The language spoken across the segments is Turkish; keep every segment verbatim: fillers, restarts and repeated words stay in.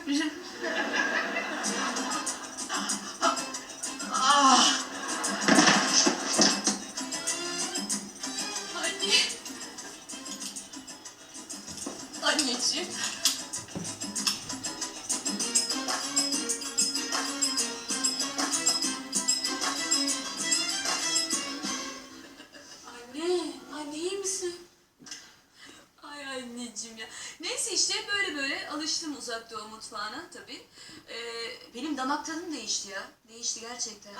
Ah! Anne. Anneciğim. Anne, anne iyi misin? Ay anneciğim ya. Neyse işte böyle böyle alıştım Uzak Doğu mutfağına tabii. Ee, benim damak tadım değişti ya. Değişti gerçekten.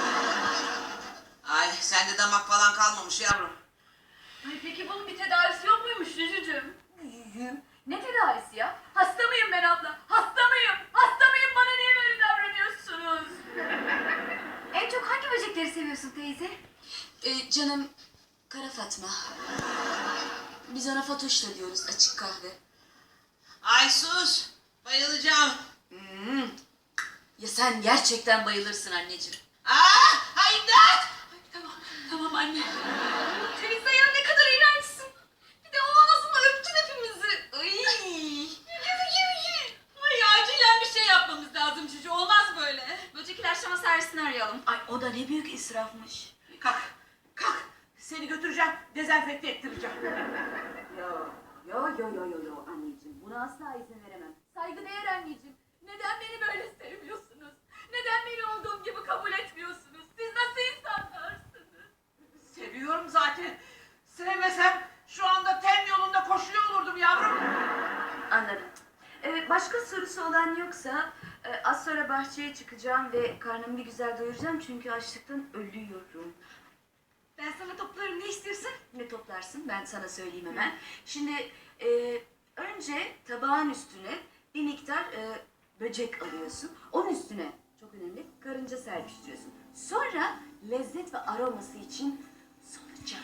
Ay sende damak falan kalmamış yavrum. Ay peki bunun bir tedavisi yok muymuş Cücücüğüm? Ne tedavisi ya? Hasta mıyım ben abla? Hasta mıyım? Hasta mıyım? Bana niye böyle davranıyorsunuz? En çok hangi böcekleri seviyorsun teyze? Ee, canım Kara Fatma. Biz ona Fatoş da diyoruz, açık kahve. Ay sus. Bayılacağım. Hmm. Ya sen gerçekten bayılırsın anneciğim. Aa! Ay imdat! Ay, tamam, tamam anne. Teyze ya ne kadar iğrençsin. Bir de o ağzınla öptün hepimizi. Ay. Ay acilen bir şey yapmamız lazım Cücü. Olmaz böyle. Böcek ilaçlama servisini arayalım. Ay o da ne büyük israfmış. Kalk. Kalk. Seni götüreceğim. Dezenfekte ettireceğim. Yo, yo, yo, yo, yo, yo anneciğim. Buna asla izin veremem. Saygıdeğer anneciğim. Neden beni böyle sevmiyorsunuz? Neden beni olduğum gibi kabul etmiyorsunuz? Siz nasıl insanlarsınız? Seviyorum zaten. Sevmesem şu anda ten yolunda koşuyor olurdum yavrum. Anladım. Evet, başka sorusu olan yoksa e, az sonra bahçeye çıkacağım ve karnımı bir güzel doyuracağım çünkü açlıktan ölüyorum. Ben sana toplarım, ne istiyorsun? Ne toplarsın? Ben sana söyleyeyim hemen. Şimdi e, önce tabağın üstüne bir miktar e, böcek alıyorsun. Onun üstüne çok önemli karınca serpiştiriyorsun. Sonra lezzet ve aroması için solucan.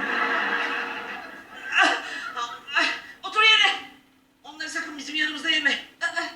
Ay, otur yere. Onları sakın bizim yanımızda yeme.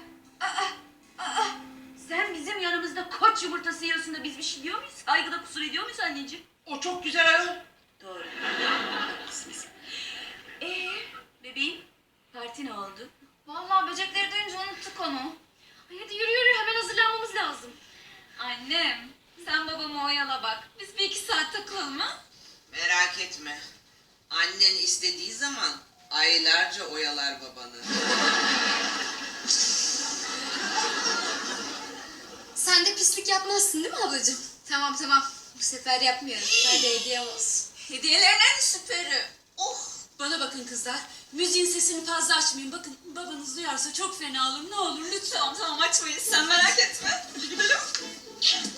Sen bizim yanımızda koç yumurtası yiyorsun da biz bir şey diyor muyuz? Saygıda kusur ediyor muyuz anneciğim? O çok güzel ayol. Doğru. Haklısınız. Ee, bebeğim, parti ne oldu? Vallahi böcekleri duyunca unuttuk onu. Ay hadi yürü yürü hemen hazırlanmamız lazım. Annem sen babamı oyala bak. Biz bir iki saat takılalım ha? Merak etme. Annen istediği zaman aylarca oyalar babanı. Sen de pislik yapmazsın değil mi ablacığım? Tamam tamam. Bu sefer yapmıyorum. Hadi hediyem olsun. Hediyelerin en süperi. Oh. Bana bakın kızlar. Müziğin sesini fazla açmayın. Bakın babanız duyarsa çok fena olur. Ne olur lütfen. Tamam tamam açmayız. Sen merak etme. Hadi gidelim.